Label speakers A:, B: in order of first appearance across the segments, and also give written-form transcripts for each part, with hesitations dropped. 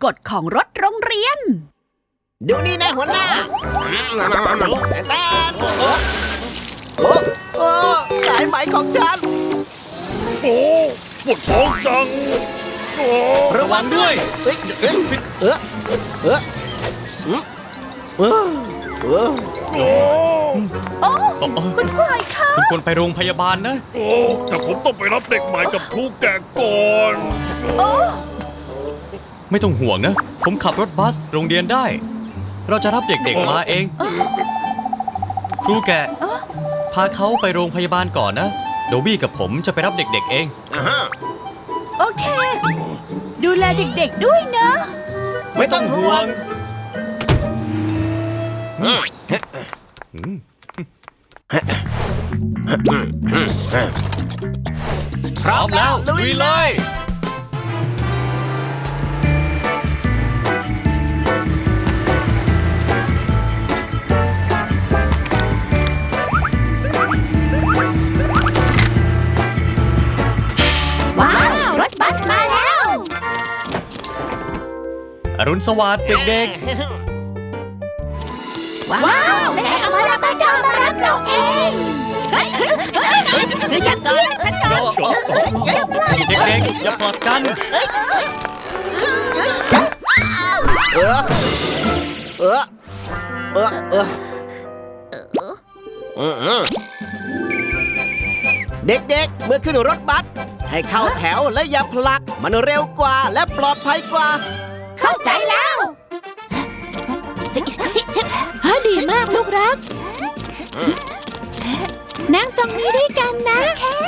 A: กฎของรถโรงเรียน
B: ดูนี่นะหัวหน้าแตนโอ้สายไหมของฉัน
C: โอ้ปวดท้องจัง
B: ระวังด้วย
A: คุณควายคะ
D: คุณควรไปโรงพยาบาลนะ
C: โอ้แต่ผมต้องไปรับเด็กใหม่กับครูแก่ก่อน
D: ไม่ต้องห่วงนะผมขับรถบัสโรงเรียนได้เราจะรับเด็กๆมาเองครูแก่พาเขาไปโรงพยาบาลก่อนนะโดบี้กับผมจะไปรับเด็กๆเอง
A: โอเคดูแลเด็กๆด้วยนะ
B: ไม่ต้องห่วงพร้อมแล้วลุยเลย
D: อรุณสวัสดิ์เด็ก
A: ๆว้าวแม่เอามารับเราเองฉันจะกินฉัน
D: เด็กๆอย่าปลอดกัน
B: เด็กๆเมื่อขึ้นรถบัสให้เข้าแถวและอย่าผลักมันเร็วกว่าและปลอดภัยกว่า
A: เข้าใจแล้วดีมากลูกรักนั่งตรงนี้ด้วยกันนะ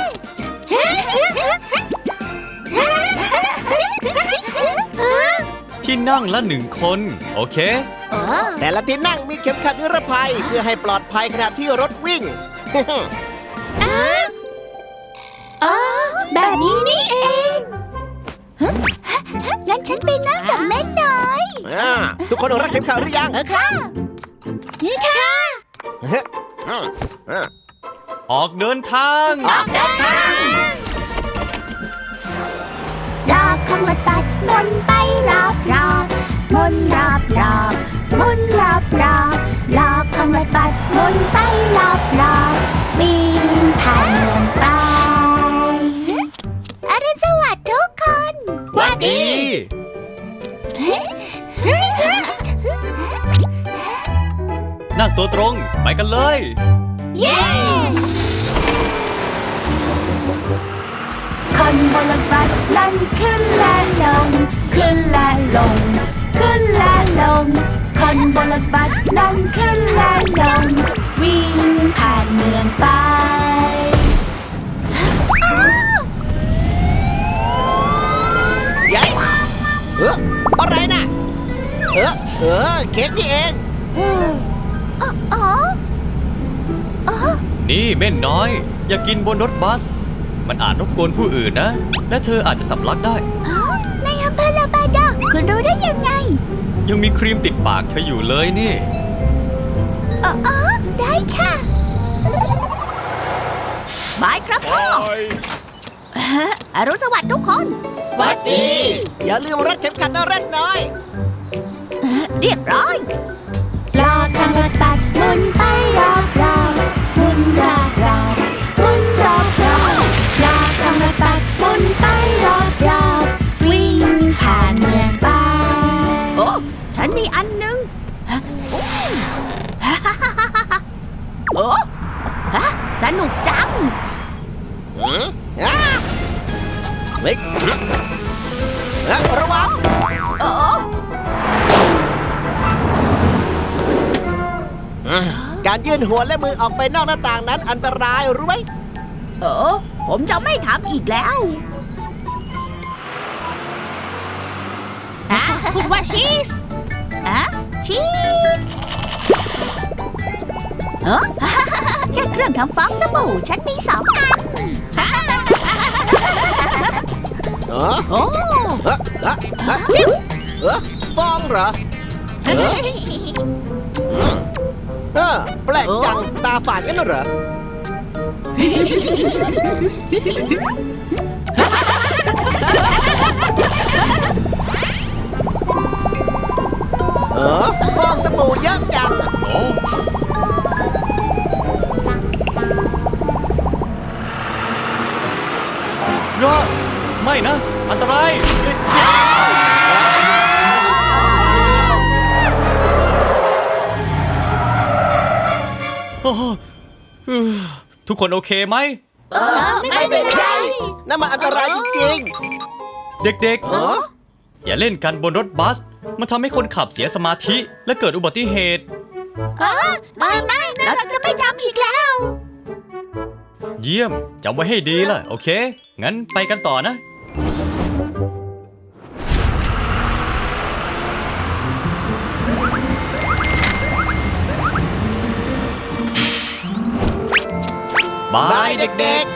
D: ที่นั่งละ1 คนโอเค
B: แต่ละที่นั่งมีเข็มขัดนิรภัยเพื่อให้ปลอดภัยขณะที่รถวิ่ง
A: แบบนี้นี่เองงั้นฉันไปนั่งกับแม่น้อย
B: ทุกคนรักเข็มขัดหรือยัง
A: ค่ะนี่ค่ะ
D: ออกเดินทาง
A: รอบของรถบัสหมุนไปรอบหมุนรอบหมุนรอบรอบของรถบัสหมุนไปรอบวิ่งผ่านเมืองไปอรุณสวัสดิ์ทุกคน
D: สวัสดีนั่งตัวตรงไปกันเลย
A: เย้คนบนรถบัสนั้นขึ้นและลงขึ้นและลงขึ้นและลงคนบนรถบัสนั้นขึ้นและลงวิ่งผ่านเมืองไป
B: อะไรน่ะเค้กนี่เอง
D: นี่เม่นน้อยอย่ากินบนรถบัสมันอาจรบกวนผู้อื่นนะและเธออาจจะสำลักได้
A: ในอำเภอลาบาดาคุณรู้ได้ยังไง
D: ยังมีครีมติดปากเธออยู่เลยนี่
A: ได้ค่ะบายครับพ่ออรุณสวัสดิ์ทุกคน
B: สวัสดีอย่าลืมรัดเข็มขัดนะเร็ดน้อย
A: เรียบร้อยรอทางรถบัสหมุนไปรอบหมุนรอบหมุนรอบรอทางรถบัสหมุนไปรอบวิ่งผ่านเมืองไปโอ้ฉันมีอันนึงโอ้สนุกจัง
B: เฮ้ยระวังการยื่นหัวและมือออกไปนอกหน้าต่างนั้นอันตรายรู้ไหม
A: ผมจะไม่ทำอีกแล้วพูดว่าชีสชีสแค่เครื่องทำฟองสบู่ฉันมี2 อัน
B: โอ้จิ้วฟองเหรอแปลกจังตาฝาดกันเหรอ
A: เ
B: ฟองสบู่เยอะจัง
D: โอ้ยอไม่นะ อันตรายโอ้โหทุกคนโอเคไหม
A: ไม่เป็นไร
B: นั่นมันอันตรายจริง
D: เด็ก
B: ๆเหรอ
D: ๆ อย่าเล่นกันบนรถบัส มันทำให้คนขับเสียสมาธิและเกิดอุบัติเหตุ
A: ไม่เราจะไม่ทำอีกแล้ว
D: เยี่ยมจำไว้ให้ดีล่ะ โอเค งั้นไปกันต่อนะ บา
B: บาย ย
D: เด็ก
B: เด็ก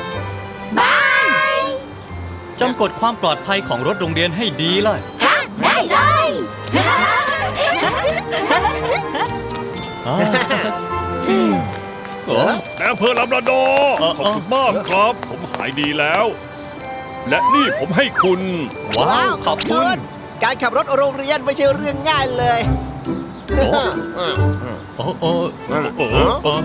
D: ๆ จำกฎความปลอดภัยของรถโรงเรียนให้ดีล่ะ
A: ได้เลย
D: อ่าโอ้
C: นายอำเภอลำระดอร์ขอบคุณมากครับ ผมหายดีแล้ว และนี่ผมให้คุณ
B: ๆ ว้าว ขอบคุณ การขับรถโรงเรียนไม่ใช่เรื่องง่ายเลย
D: โอ้โอ้
C: โอ้
D: โอ้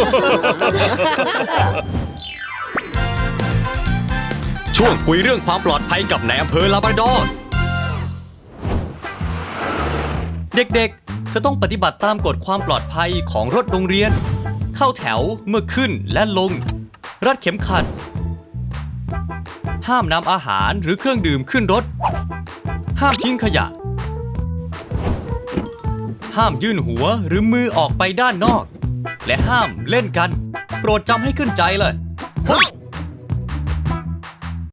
D: ช่วงคุยเรื่องความปลอดภัยกับนายอำเภอลาบราดอร์เด็กๆ เธอต้องปฏิบัติตามกฎความปลอดภัยของรถโรงเรียน เข้าแถวเมื่อขึ้นและลง รัดเข็มขัด ห้ามนำอาหารหรือเครื่องดื่มขึ้นรถ ห้ามทิ้งขยะ ห้ามยื่นหัวหรือมือออกไปด้านนอก และห้ามเล่นกัน โปรดจำให้ขึ้นใจเลย
B: เฮ้ย